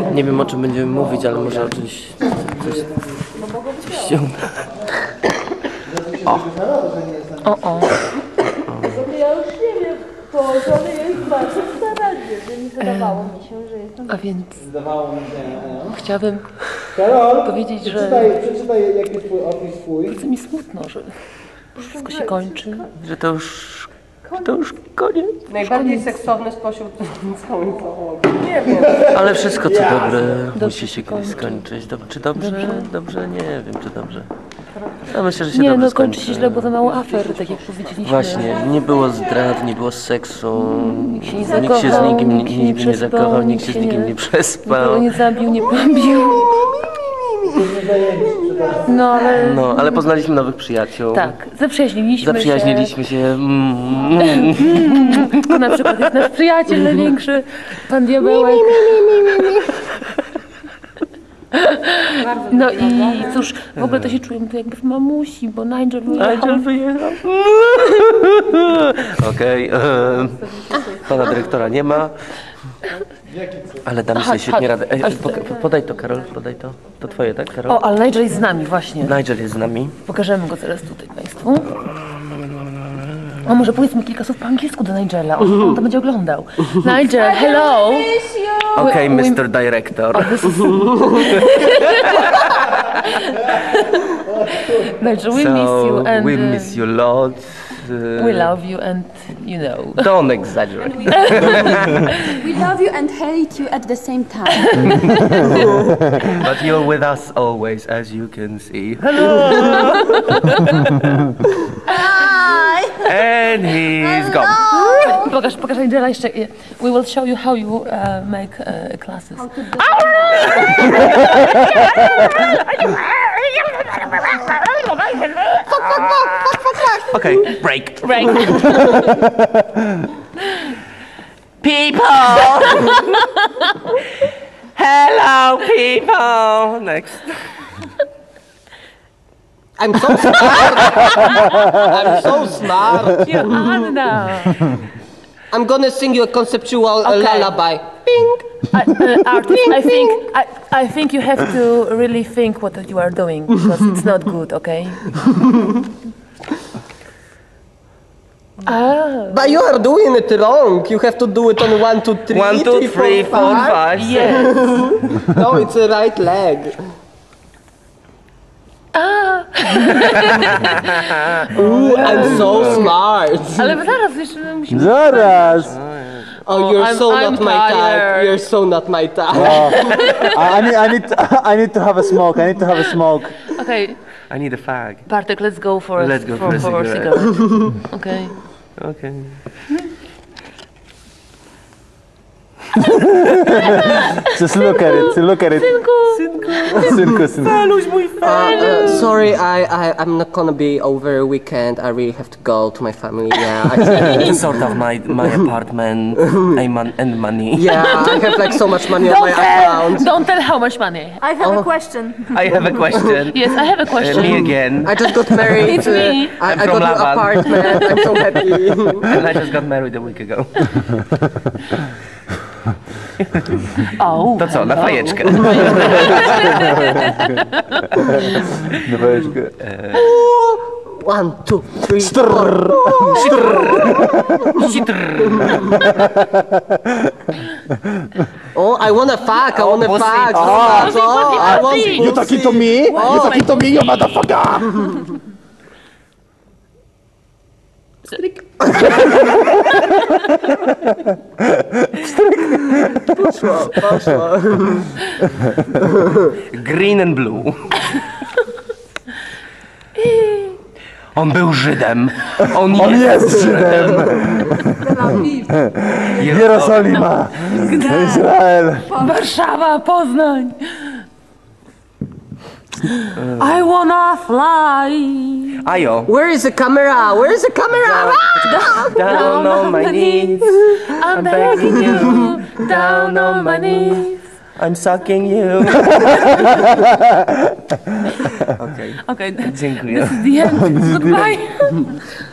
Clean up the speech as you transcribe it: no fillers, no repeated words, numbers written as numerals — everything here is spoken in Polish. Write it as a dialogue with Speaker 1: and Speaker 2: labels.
Speaker 1: Nie wiem, o czym będziemy mówić, ale może o czymś... Coś się uda.
Speaker 2: O.
Speaker 3: Ja już nie wiem, położony jest bardzo starannie, więc wydawało mi się, że jestem...
Speaker 2: A więc chciałabym powiedzieć, że
Speaker 4: Przeczytaj, jaki jest twój opis swój.
Speaker 2: bardzo mi smutno, że wszystko się kończy.
Speaker 1: Że to już koniec.
Speaker 5: Najbardziej seksowny spośród całej załogi. Nie wiem.
Speaker 1: Ale wszystko co dobre musi się kiedyś skończyć. Czy dobrze? Dobrze? Nie wiem, czy dobrze. Ja myślę, że się
Speaker 2: Nie,
Speaker 1: dobrze
Speaker 2: no
Speaker 1: skończy.
Speaker 2: kończy się źle, bo za mało afer, tak jak powiedzieliśmy.
Speaker 1: Właśnie, nie było zdrad, nie było seksu,
Speaker 2: Nikt się nie
Speaker 1: nikt się z
Speaker 2: zakochał,
Speaker 1: nikim
Speaker 2: nikt się nie
Speaker 1: nie
Speaker 2: przespał,
Speaker 1: zakochał, nikt się z
Speaker 2: nikt
Speaker 1: nikim nie
Speaker 2: nikogo
Speaker 1: przespał.
Speaker 2: nie zabił, nie pobił. No,
Speaker 1: Ale poznaliśmy nowych przyjaciół.
Speaker 2: tak,
Speaker 1: Zaprzyjaźniliśmy się.
Speaker 2: To na przykład jest nasz przyjaciel największy, pan Diabełek. No i cóż, w ogóle to się czuję tu jakby w mamusi, bo Nigel wyjechał.
Speaker 1: Okej, pana dyrektora nie ma. Ale damy sobie świetnie radę. Ej, podaj to, Karol, podaj to. To twoje, tak, Karol?
Speaker 2: O, ale Nigel jest z nami właśnie.
Speaker 1: Nigel jest z nami.
Speaker 2: Pokażemy go zaraz tutaj Państwu. O, może powiedzmy kilka słów po angielsku do Nigela, on to będzie oglądał. Nigel, hello!
Speaker 1: Okej, Mr. Director.
Speaker 2: Nigel, we miss you and
Speaker 1: we miss you lot.
Speaker 2: we love you and you know.
Speaker 1: Don't exaggerate.
Speaker 6: We love you and hate you at the same time.
Speaker 1: But you're with us always, as you can see. Hello!
Speaker 6: Hi!
Speaker 1: And he's gone.
Speaker 2: Pokaż Nigela jeszcze. We will show you how you make classes.
Speaker 1: Okay, break. People! Hello, people! Next.
Speaker 5: I'm so smart! I'm so smart!
Speaker 2: You're Anna!
Speaker 5: I'm gonna sing you a conceptual lullaby.
Speaker 2: Artist, I think you have to really think what you are doing because it's not good, okay?
Speaker 5: But you are doing it wrong. You have to do it on 1, 2, 3.
Speaker 1: 1, 2, 3, 4, 5.
Speaker 2: Yes.
Speaker 5: No, it's the right leg. Ooh, I'm so smart.
Speaker 2: Ale zaraz jeszcze musimy...
Speaker 4: Zaraz!
Speaker 5: Oh, you're
Speaker 2: I'm
Speaker 5: not my type.
Speaker 2: tired.
Speaker 5: You're so not my type.
Speaker 4: I need to have a smoke. I need to have a smoke.
Speaker 2: Okay,
Speaker 1: I need a fag.
Speaker 2: Bartek, let's go for
Speaker 1: Let's go for a
Speaker 2: for
Speaker 1: cigarette.
Speaker 2: Okay.
Speaker 1: Okay.
Speaker 4: Just look at it. Look at it. Synku.
Speaker 5: Sorry, I'm not gonna be over a weekend. I really have to go to my family. Yeah,
Speaker 1: It's sort of my apartment and money.
Speaker 5: yeah. I have like so much money on my account.
Speaker 2: Don't tell how much money.
Speaker 3: I have a question.
Speaker 1: I have a question.
Speaker 2: Yes, I have a question.
Speaker 1: Me again.
Speaker 5: I just got married.
Speaker 2: It's me.
Speaker 5: I
Speaker 1: I'm from
Speaker 5: got an
Speaker 1: Laban.
Speaker 5: apartment. I'm so happy.
Speaker 1: And I just got married a week ago.
Speaker 2: Oh,
Speaker 1: To co, na fajeczkę.
Speaker 4: No weźmy.
Speaker 5: 1, 2, 3, 4. Oh, I wanna fuck. I wanna
Speaker 1: pussy.
Speaker 5: fuck.
Speaker 1: Oh,
Speaker 5: I want
Speaker 2: pussy.
Speaker 4: You talking to me? You talking to me, you motherfucker?
Speaker 5: Poszło.
Speaker 1: Green and blue. On był Żydem. On
Speaker 4: Jest Żydem. Jerozolima. Izrael.
Speaker 2: Warszawa, Poznań. I wanna fly.
Speaker 1: Ajo.
Speaker 5: Where is the camera? Where is the camera?
Speaker 1: Down on my knees.
Speaker 2: I'm begging you down on my knees.
Speaker 1: I'm sucking you. Okay.
Speaker 2: Okay,
Speaker 1: Dziękuję.
Speaker 2: the end. Goodbye.